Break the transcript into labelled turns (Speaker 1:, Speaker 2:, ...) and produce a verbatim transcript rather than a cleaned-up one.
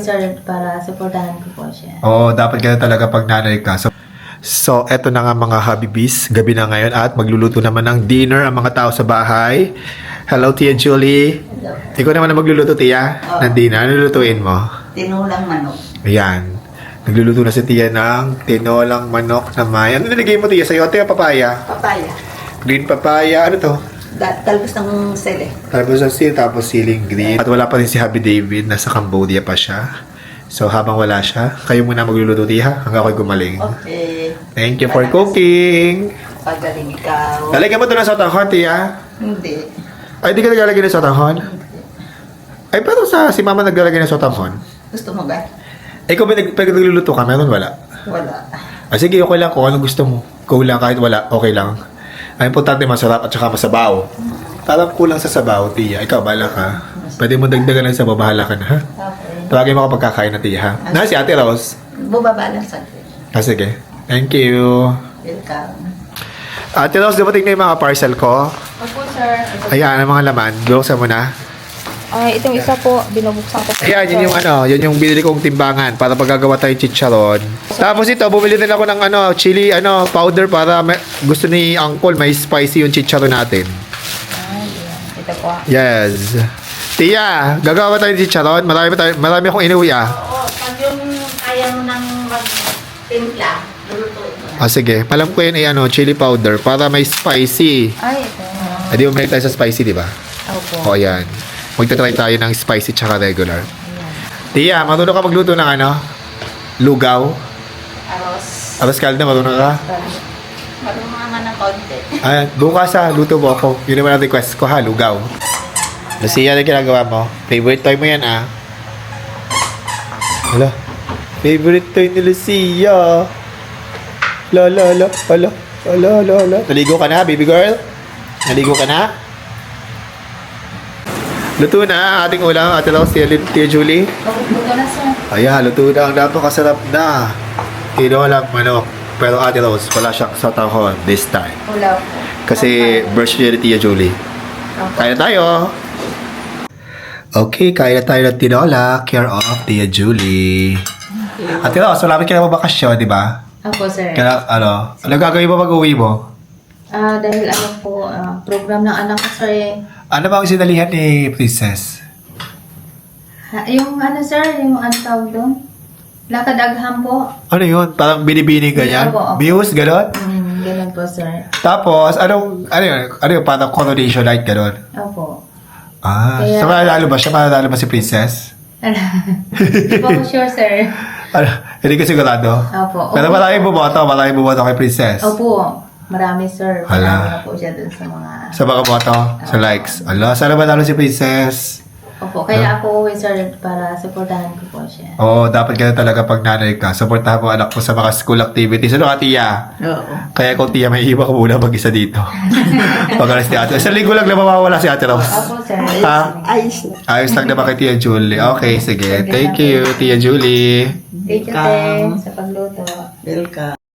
Speaker 1: sir, para supportahan ko po siya.
Speaker 2: Oo, dapat ganun talaga pag nanay ka. So, so eto na nga mga Habibis, gabi na ngayon at magluluto naman ng dinner ang mga tao sa bahay. Hello, Tia Julie.
Speaker 1: Hello.
Speaker 2: Ikaw naman na magluluto, Tia,
Speaker 3: Oo.
Speaker 2: ng dinner. Ano lulutuin mo?
Speaker 3: Tinulang manok.
Speaker 2: Ayan. Nagluluto na si Tia ng tinolang manok na may... Ano nilagay mo, Tia? Sayote o papaya?
Speaker 3: Papaya.
Speaker 2: Green papaya. Ano to?
Speaker 3: Da- talbos ng sele.
Speaker 2: Tapos ang sil, tapos siling green. At wala pa rin si Happy David. Nasa Cambodia pa siya. So, habang wala siya, kayo muna magluluto, Tia, hanggang ako'y gumaling.
Speaker 3: Okay.
Speaker 2: Thank you for cooking.
Speaker 3: Pagaling ikaw.
Speaker 2: Lalagyan mo ito ng sotanghon, Tia.
Speaker 3: Hindi.
Speaker 2: Ay, di ka naglalagay ng sotanghon? Ay, pero sa si Mama naglalagay ng sotanghon.
Speaker 3: Gusto mo ba?
Speaker 2: Eh, kung may nag, pag nagluluto ka, meron wala.
Speaker 3: Wala.
Speaker 2: Ah, sige, okay lang kung ano gusto mo. Kulang kahit wala, okay lang. Ang importante, masarap at saka masabaw. Parang kulang sa sabaw, Tia. Ikaw, bahala ka. Pwede mo dagdagan ng sabaw, bahala ka na, ha?
Speaker 3: Okay.
Speaker 2: Tawagin mo kapag kakain na, Tia, ha? Na, si Ate Rose.
Speaker 3: Bubaba lang sa akin.
Speaker 2: Ah, sige. Thank you.
Speaker 3: Welcome.
Speaker 2: Ate Rose, dumating na yung mga parcel ko.
Speaker 1: Opo, sir.
Speaker 2: Ayan, ang mga laman. Buksan mo na.
Speaker 1: Ay, itong isa po, binubuksan ko po.
Speaker 2: Ayan, yun yung ano, yun yung binili kong timbangan para pagkagawa tayo chicharon. Tapos ito, bumili din ako ng ano, chili ano, powder para may, gusto ni Uncle may spicy yung chicharon natin.
Speaker 1: Ay, ito po.
Speaker 2: Yes. Tia, gagawa tayo ng chicharon. Marami, tayo, marami akong inuwi ah.
Speaker 3: Oo, pag yung kaya mo nang mag-timpla, lulutuin mo na.
Speaker 2: Ah, sige. Alam ko yun ay ano, chili powder para may spicy.
Speaker 1: Ay, ito.
Speaker 2: Hindi mo tayo sa spicy, di ba?
Speaker 1: Opo.
Speaker 2: O, yan. Magta-try tayo ng spicy tsaka regular.
Speaker 1: Ayan.
Speaker 2: Tia, marunong ka magluto ng ano? Lugaw?
Speaker 3: Aros.
Speaker 2: Aros kalda, marunong ka?
Speaker 3: Marunong naman ng konti.
Speaker 2: Ay, bukas ha, luto mo ako. Yun naman ang request ko ha, lugaw. Lucia, ano ginagawa mo? Favorite toy mo yan ah. Hala. Favorite toy ni Lucia. La la la. Hala. Hala, hala, hala. Naligo ka na, baby girl? Naligo ka na? Luto na ang ating ulam, Ate Rose, Tia Julie.
Speaker 1: Ito na, sir.
Speaker 2: Ayan, luto na. Ang napakasarap na. Tinolang manok. Pero Ate Rose, wala siyang sotanghon this time.
Speaker 1: Ulaw po.
Speaker 2: Kasi birthday ni Tia Julie.
Speaker 1: Opo.
Speaker 2: Kaya na tayo. Okay, kaya na tayo ng tinola. Care of Tia Julie. At Tia Rose, malapit ka na magbakasyon, di ba?
Speaker 1: Opo, sir.
Speaker 2: Kaya ano, ano gagawin mo pag-uwi mo?
Speaker 1: Ah, dahil ano po, ah, program ng anak ko, sir, eh.
Speaker 2: Ano ba ang sinalihan ni Princess?
Speaker 1: Ha, yung ano, sir, yung ano tawag doon? Lakad agham po.
Speaker 2: Ano yun? Parang binibini ganyan?
Speaker 1: Opo, opo.
Speaker 2: Views, gano'n?
Speaker 1: Hmm, ganun po, sir.
Speaker 2: Tapos, anong, ano yun? Ano yun? Parang coronation light, gano'n?
Speaker 1: Opo.
Speaker 2: Ah,
Speaker 1: Kaya-
Speaker 2: so mananalo ba siya? Mananalo ba si Princess?
Speaker 1: Hindi po ako sure, sir.
Speaker 2: Ano, hindi ka sigurado?
Speaker 1: Opo.
Speaker 2: Pero
Speaker 1: Opo.
Speaker 2: maraming bumoto, maraming bumoto kay Princess.
Speaker 1: Opo. Marami, sir.
Speaker 2: Hala.
Speaker 1: Marami na po siya dun sa mga...
Speaker 2: Sa mga boto, sa likes. Ala, sana manalo si Princess.
Speaker 1: Opo. Kaya ako uwi, sir, para supportahan ko po siya.
Speaker 2: Oo, dapat ganun talaga pag nanay ka. Supportahan mo anak mo sa mga school activities. Ano ka, Tia?
Speaker 3: Oo.
Speaker 2: Kaya kung Tia, may iba ka muna mag-isa dito. Pag-alas ni Ate. Sa linggo lang na mawawala si Ate Rose.
Speaker 1: Opo, sir.
Speaker 2: Ha?
Speaker 3: Ayos na.
Speaker 2: Ayos lang naman kay Tia Julie. Okay, sige. Thank you, Tia Julie.
Speaker 1: Thank you,
Speaker 3: Welcome.
Speaker 1: Teng, sa pagluto.
Speaker 3: Welcome.